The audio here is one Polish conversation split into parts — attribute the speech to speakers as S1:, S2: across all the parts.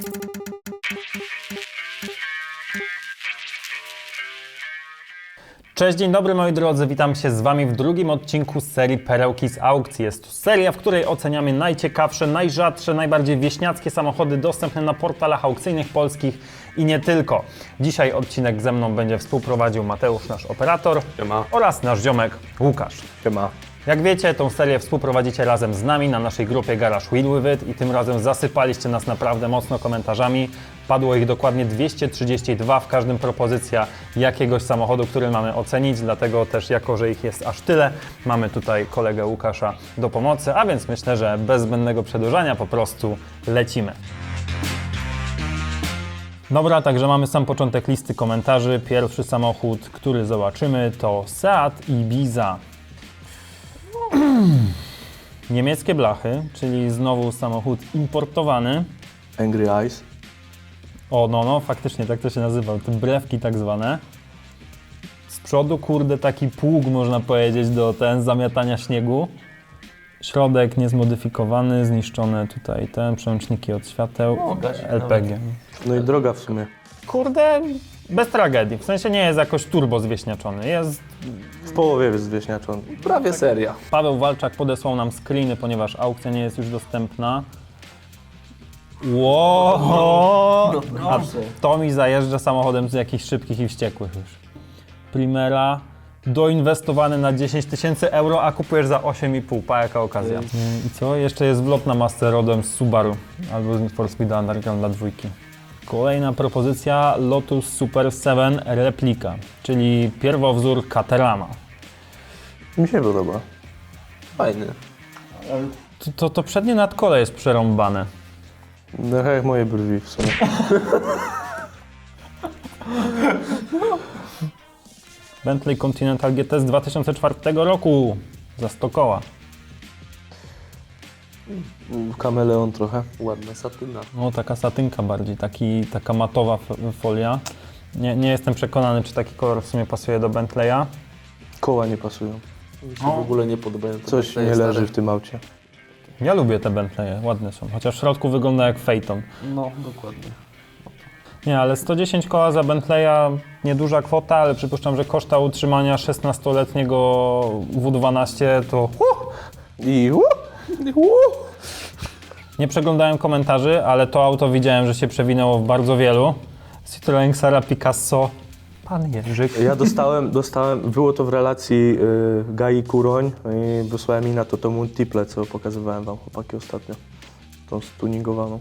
S1: Cześć, dzień dobry moi drodzy, witam się z Wami w drugim odcinku z serii Perełki z aukcji. Jest to seria, w której oceniamy najciekawsze, najrzadsze, najbardziej wieśniackie samochody dostępne na portalach aukcyjnych polskich i nie tylko. Dzisiaj odcinek ze mną będzie współprowadził Mateusz, nasz operator,
S2: Siema.
S1: oraz nasz ziomek Łukasz.
S2: Siema.
S1: Jak wiecie, tą serię współprowadzicie razem z nami na naszej grupie Garage Wheel With It i tym razem zasypaliście nas naprawdę mocno komentarzami. Padło ich dokładnie 232, w każdym propozycja jakiegoś samochodu, który mamy ocenić, dlatego też jako, że ich jest aż tyle, mamy tutaj kolegę Łukasza do pomocy, a więc myślę, że bez zbędnego przedłużania po prostu lecimy. Dobra, także mamy sam początek listy komentarzy. Pierwszy samochód, który zobaczymy, to Seat Ibiza. Niemieckie blachy, czyli znowu samochód importowany.
S2: Angry Eyes.
S1: O, no, faktycznie tak to się nazywa, te brewki tak zwane. Z przodu, kurde, taki pług, można powiedzieć, do zamiatania śniegu. Środek niezmodyfikowany, zniszczone tutaj przełączniki od świateł, LPG.
S2: No i droga w sumie.
S1: Kurde, bez tragedii, w sensie nie jest jakoś turbo zwieśniaczony, jest...
S2: W połowie jest zwieśniaczony. Prawie seria.
S1: Paweł Walczak podesłał nam screeny, ponieważ aukcja nie jest już dostępna. Wow! A to mi zajeżdża samochodem z jakichś szybkich i wściekłych już. Primera, doinwestowany na 10 000 euro, a kupujesz za 8,5, jaka okazja. I co? Jeszcze jest wlot na masce rodem z Subaru albo z Need for Speed Underground dla dwójki. Kolejna propozycja, Lotus Super 7 Replika, czyli pierwowzór Caterhama.
S2: Mi się podoba. Fajny.
S1: To przednie nadkole jest przerąbane.
S2: No jak moje brwi w sumie.
S1: Bentley Continental GT z 2004 roku, za 100 koła.
S2: Kameleon trochę. Ładna satyna.
S1: No taka satynka bardziej, taka matowa folia. Nie jestem przekonany, czy taki kolor w sumie pasuje do Bentleya.
S2: Koła nie pasują.
S3: Mi się w ogóle nie podobają.
S2: Coś nie leży w tym aucie.
S1: Ja lubię te Bentleye, ładne są, chociaż w środku wygląda jak Phaeton.
S3: No, dokładnie.
S1: Nie, ale 110 koła za Bentleya, nieduża kwota, ale przypuszczam, że koszta utrzymania 16-letniego W12 to...
S2: I
S1: Nie przeglądałem komentarzy, ale to auto widziałem, że się przewinęło w bardzo wielu. Citroën Xara Picasso, pan Jerzyk.
S2: ja dostałem, było to w relacji Gai Kuroń i wysłałem mi na to multiple, co pokazywałem wam chłopaki ostatnio. Tą stuningowaną.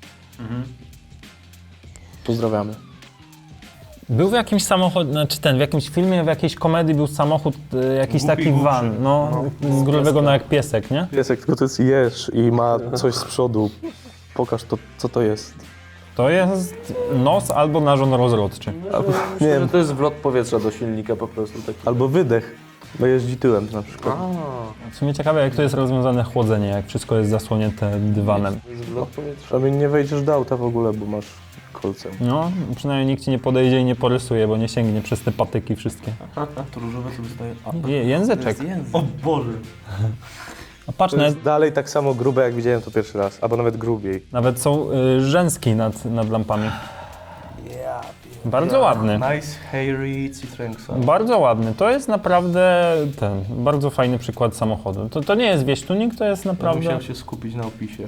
S2: Pozdrawiamy.
S1: Był w jakimś samochodzie, w jakimś filmie, w jakiejś komedii był samochód, jakiś taki van, z grubego jak piesek, nie?
S2: Piesek, tylko to jest jeż i ma coś z przodu. Pokaż to, co to jest.
S1: To jest nos albo narząd rozrodczy.
S2: Nie wiem,
S3: To jest wlot powietrza do silnika po prostu. Taki.
S2: albo wydech. Bo jeździ tyłem na przykład.
S1: W sumie ciekawe, jak to jest rozwiązane chłodzenie, jak wszystko jest zasłonięte dywanem.
S3: To jest wlot powietrza.
S2: Przynajmniej nie wejdziesz do auta w ogóle, bo masz kolce.
S1: No, przynajmniej nikt ci nie podejdzie i nie porysuje, bo nie sięgnie przez te patyki wszystkie.
S3: To różowe co wystaje.
S1: Języczek.
S3: O Boże!
S1: A patrz,
S2: To jest dalej tak samo grube, jak widziałem to pierwszy raz, albo nawet grubiej.
S1: nawet są rzęski nad lampami. Bardzo ładny.
S2: Nice, hairy Citroen Xara.
S1: Bardzo ładny. To jest naprawdę bardzo fajny przykład samochodu. To nie jest wieś-tuning, to jest naprawdę...
S2: Musiałem się skupić na opisie.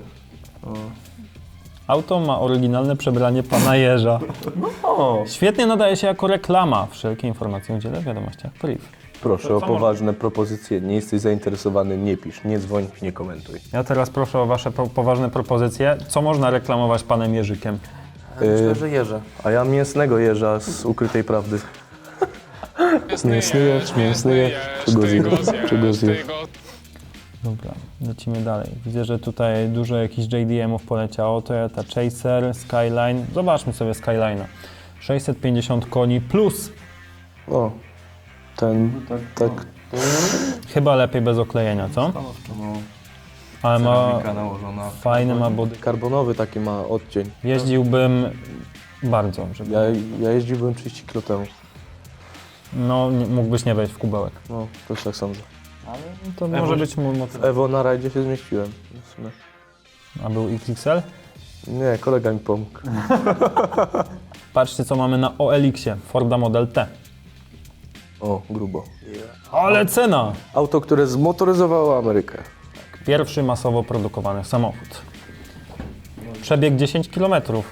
S1: Auto ma oryginalne przebranie pana Jerza. Świetnie nadaje się jako reklama. Wszelkie informacje udzielę w wiadomościach priv.
S2: Proszę o poważne propozycje. Nie jesteś zainteresowany, nie pisz, nie dzwoń, nie komentuj.
S1: Ja teraz proszę o wasze poważne propozycje. Co można reklamować panem Jerzykiem?
S3: Myślę, że jeże.
S2: A ja mięsnego jeża z ukrytej prawdy. Mięsny jeż, czego zjesz?
S1: Dobra, lecimy dalej. Widzę, że tutaj dużo jakichś JDM-ów poleciało. Toyota Chaser, Skyline. Zobaczmy sobie Skyline'a. 650 koni plus.
S2: O, ten, tak.
S1: Chyba lepiej bez oklejenia, co? Ale ma
S2: nałożona.
S1: fajny ma body.
S2: Karbonowy taki ma odcień.
S1: Jeździłbym bardzo, żeby...
S2: Ja jeździłbym 30 km temu.
S1: No, mógłbyś nie wejść w kubełek.
S2: No, też tak sądzę.
S1: Ale to może być mój motyw.
S2: Ewo na rajdzie się zmieściłem. W sumie.
S1: A był XXL?
S2: Nie, kolega mi pomógł.
S1: Patrzcie, co mamy na OLX-ie. Forda Model T.
S2: O, grubo.
S1: Ale cena!
S2: Auto, które zmotoryzowało Amerykę.
S1: Pierwszy masowo produkowany samochód. Przebieg 10 km.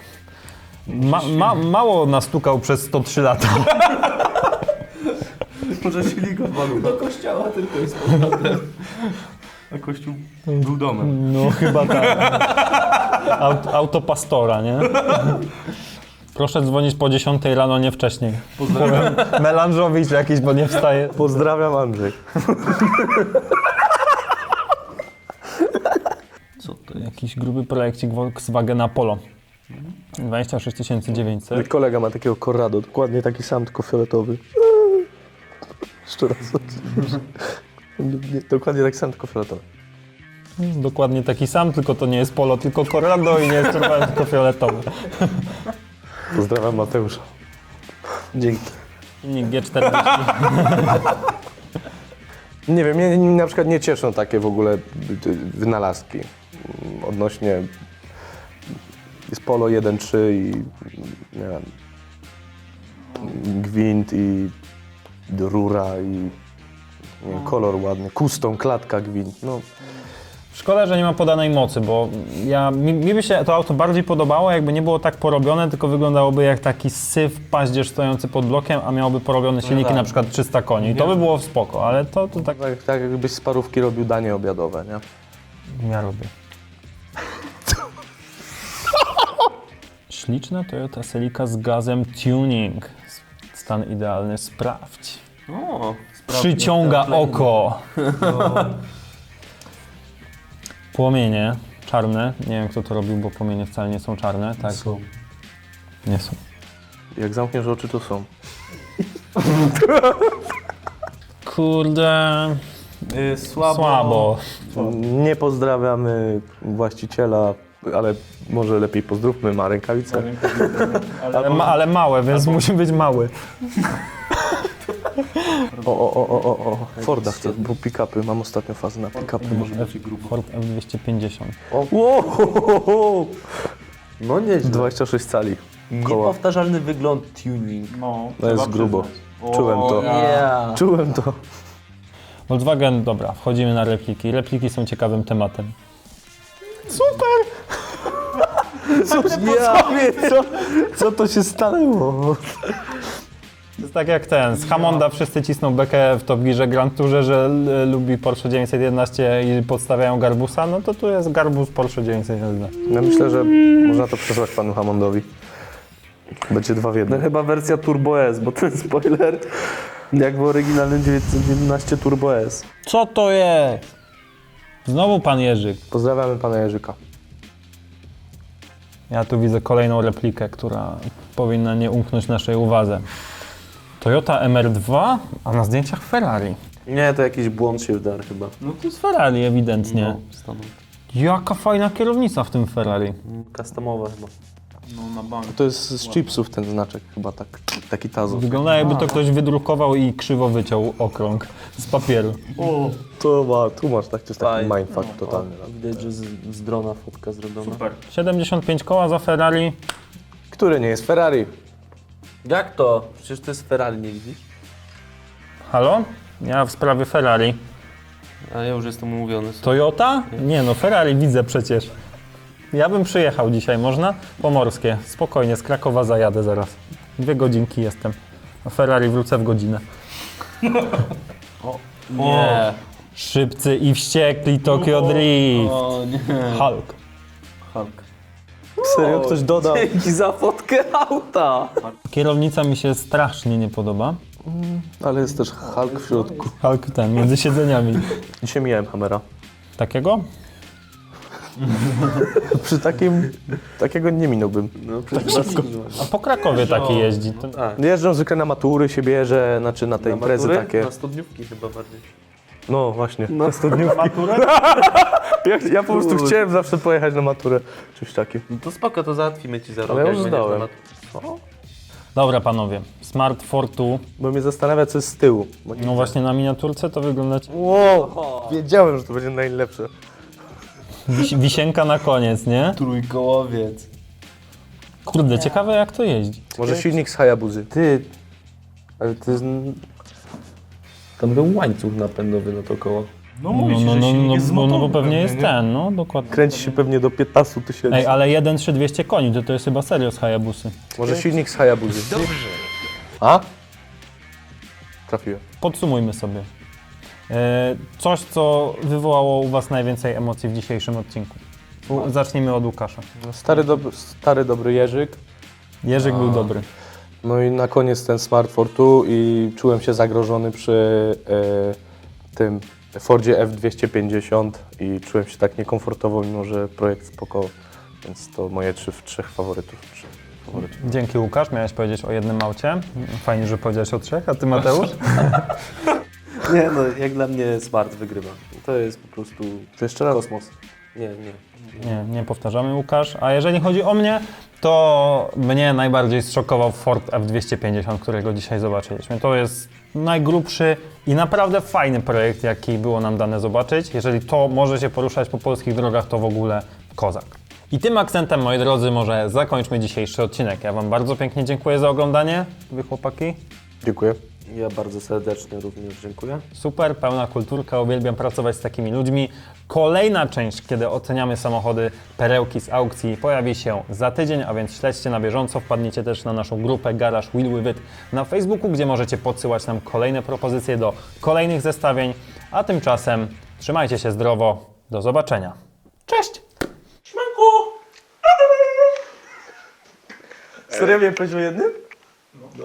S1: Mało nastukał przez 103 lata.
S3: Może silnik odpadł. Do kościoła tylko jest powrotem. A kościół był domem.
S1: No chyba tak. Auto pastora, nie? Proszę dzwonić po 10 rano, nie wcześniej.
S3: Pozdrawiam.
S1: Melanżowicz jakiś, bo nie wstaje.
S2: Pozdrawiam, Andrzej.
S3: Co to jest?
S1: Jakiś gruby projekcik Volkswagena Polo. 26 900.
S2: Kolega ma takiego Corrado, dokładnie taki sam, tylko fioletowy. Jeszcze raz. Dokładnie taki sam, tylko fioletowy.
S1: Dokładnie taki sam, tylko to nie jest Polo, tylko Corrado i nie jest czerwony, tylko fioletowy.
S2: Pozdrawiam Mateusza. Dzięki.
S1: Silnik G40.
S2: Nie wiem, mnie na przykład nie cieszą takie w ogóle wynalazki odnośnie jest Polo 1.3 i nie wiem, gwint i rura i nie wiem, kolor ładny, custom, klatka, gwint. No,
S1: Szkoda, że nie ma podanej mocy, bo mi by się to auto bardziej podobało, jakby nie było tak porobione, tylko wyglądało jak taki syf paździerz stojący pod blokiem, a miałoby porobione silniki
S3: tak.
S1: na przykład 300 koni. I to by było spoko, ale to tak
S2: tak jakbyś z parówki robił danie obiadowe, nie?
S1: ja robię. Śliczna Toyota Celica z gazem tuning. Stan idealny, sprawdź.
S3: O,
S1: Przyciąga oko. Płomienie czarne. Nie wiem, kto to robił, bo płomienie wcale nie są czarne. Tak?
S3: Są.
S1: Nie są.
S2: Jak zamkniesz oczy, to są.
S1: Kurde, słabo.
S2: Nie pozdrawiamy właściciela, ale może lepiej pozdrówmy, ma rękawice.
S1: Ale małe, więc musi być mały.
S2: O, Forda chcę, bo pick-upy, mam ostatnio fazę na pick-upy.
S3: Może być grubo.
S1: Ford F250.
S2: Wow!
S3: No nieźle.
S2: 26 cali. Koła.
S3: Niepowtarzalny wygląd tuning.
S1: No,
S2: To jest grubo. Czułem to.
S3: Yeah.
S2: Czułem to.
S1: Volkswagen, dobra, wchodzimy na repliki. Repliki są ciekawym tematem.
S2: Co to się stanęło?
S1: To jest tak jak ten, z Hammonda wszyscy cisną bekę w Top Gearze Grand Tourze, że lubi Porsche 911 i podstawiają Garbusa, no to tu jest Garbus Porsche 911.
S2: Ja myślę, że można to przesłać panu Hammondowi. Będzie 2 w 1.
S3: No chyba wersja Turbo S, bo ten spoiler jak w oryginalnym 911 Turbo S.
S1: Co to jest? Znowu pan Jerzyk.
S2: Pozdrawiamy pana Jerzyka.
S1: Ja tu widzę kolejną replikę, która powinna nie umknąć naszej uwadze. Toyota MR2, a na zdjęciach Ferrari.
S3: Nie, to jakiś błąd się wdarł chyba.
S1: No to jest Ferrari ewidentnie.
S3: No, stanął.
S1: Jaka fajna kierownica w tym Ferrari.
S3: Customowe chyba. No na bank.
S2: To jest z chipsów ten znaczek, chyba taki tazo.
S1: Wygląda jakby to ktoś wydrukował i krzywo wyciął okrąg z papieru.
S2: Tu masz tak, to jest taki
S3: Fajnie.
S2: mindfuck totalny.
S3: Widać, że z drona fotka zrobiona. Super.
S1: 75 koła za Ferrari.
S2: Który nie jest Ferrari?
S3: Jak to? Przecież to jest Ferrari, nie widzisz?
S1: Halo? Ja w sprawie Ferrari.
S3: A ja już jestem umówiony.
S1: Toyota? Nie no, Ferrari widzę przecież. Ja bym przyjechał dzisiaj, można? Pomorskie. Spokojnie, z Krakowa zajadę zaraz. 2 godzinki jestem. A Ferrari wrócę w godzinę.
S3: Nie.
S1: Szybcy i wściekli Tokyo Drift.
S3: O nie.
S1: Hulk.
S3: Hulk.
S2: Serio? Ktoś dodał?
S3: Dzięki za fotkę auta.
S1: Kierownica mi się strasznie nie podoba.
S2: Ale jest też Hulk w środku.
S1: Hulk ten, między siedzeniami.
S2: Dzisiaj mijałem Hammera.
S1: Takiego?
S2: Przy takiego nie minąłbym.
S3: No przecież
S1: A po Krakowie taki jeździ. To...
S2: Jeżdżą zwykle na matury, się bierze, znaczy na te imprezy takie.
S3: Na studniówki chyba bardziej.
S2: No właśnie, na studniówki. Ja po prostu chciałem zawsze pojechać na maturę, czymś takim.
S3: No to spoko, to załatwimy ci za rok.
S2: Ale ja
S3: jak
S2: już
S3: będziesz
S2: zdałem.
S3: na mat-
S1: Dobra panowie, Smart Fortwo.
S2: Bo mnie zastanawia, co jest z tyłu. Bo nie
S1: No właśnie na miniaturce to wygląda...
S2: Wow, wiedziałem, że to będzie najlepsze.
S1: Wisienka na koniec, nie?
S3: Trójkołowiec.
S1: Kurde, ciekawe jak to jeździ.
S2: Może silnik z Hayabuzy.
S3: Ty, ale to jest... Tam był łańcuch napędowy na to koło.
S1: No, bo pewnie jest ten, no dokładnie.
S2: Kręci się pewnie do 15 tysięcy.
S1: Ej, ale 1.3200 koni, to jest chyba serio z Hayabusy.
S2: Może silnik z Hayabuzy. Dobrze. A? Trafiłem.
S1: Podsumujmy sobie. Coś, co wywołało u was najwięcej emocji w dzisiejszym odcinku. Zacznijmy od Łukasza.
S2: Stary dobry Jerzyk.
S1: Jerzyk był dobry.
S2: No i na koniec ten Smart Fortwo i czułem się zagrożony przy tym Fordzie F250 i czułem się tak niekomfortowo, mimo że projekt spoko, więc to moje trzech faworytów.
S1: Dzięki Łukasz, miałeś powiedzieć o jednym aucie. Fajnie, że powiedziałeś o 3, a ty Mateusz?
S3: Nie no, jak dla mnie Smart wygrywa. To jest po prostu
S2: To jeszcze raz.
S3: kosmos. Nie.
S1: Nie powtarzamy Łukasz. A jeżeli chodzi o mnie, to mnie najbardziej zszokował Ford F250, którego dzisiaj zobaczyliśmy. To jest najgrubszy i naprawdę fajny projekt, jaki było nam dane zobaczyć. Jeżeli to może się poruszać po polskich drogach, to w ogóle kozak. I tym akcentem, moi drodzy, może zakończmy dzisiejszy odcinek. Ja wam bardzo pięknie dziękuję za oglądanie, wy chłopaki.
S2: Dziękuję.
S3: Ja bardzo serdecznie również dziękuję.
S1: Super, pełna kulturka, uwielbiam pracować z takimi ludźmi. Kolejna część, kiedy oceniamy samochody, perełki z aukcji, pojawi się za tydzień, a więc śledźcie na bieżąco. Wpadnijcie też na naszą grupę Garage Wheel With It na Facebooku, gdzie możecie podsyłać nam kolejne propozycje do kolejnych zestawień. A tymczasem trzymajcie się zdrowo, do zobaczenia. Cześć!
S2: Serio mnie powiedział jednym?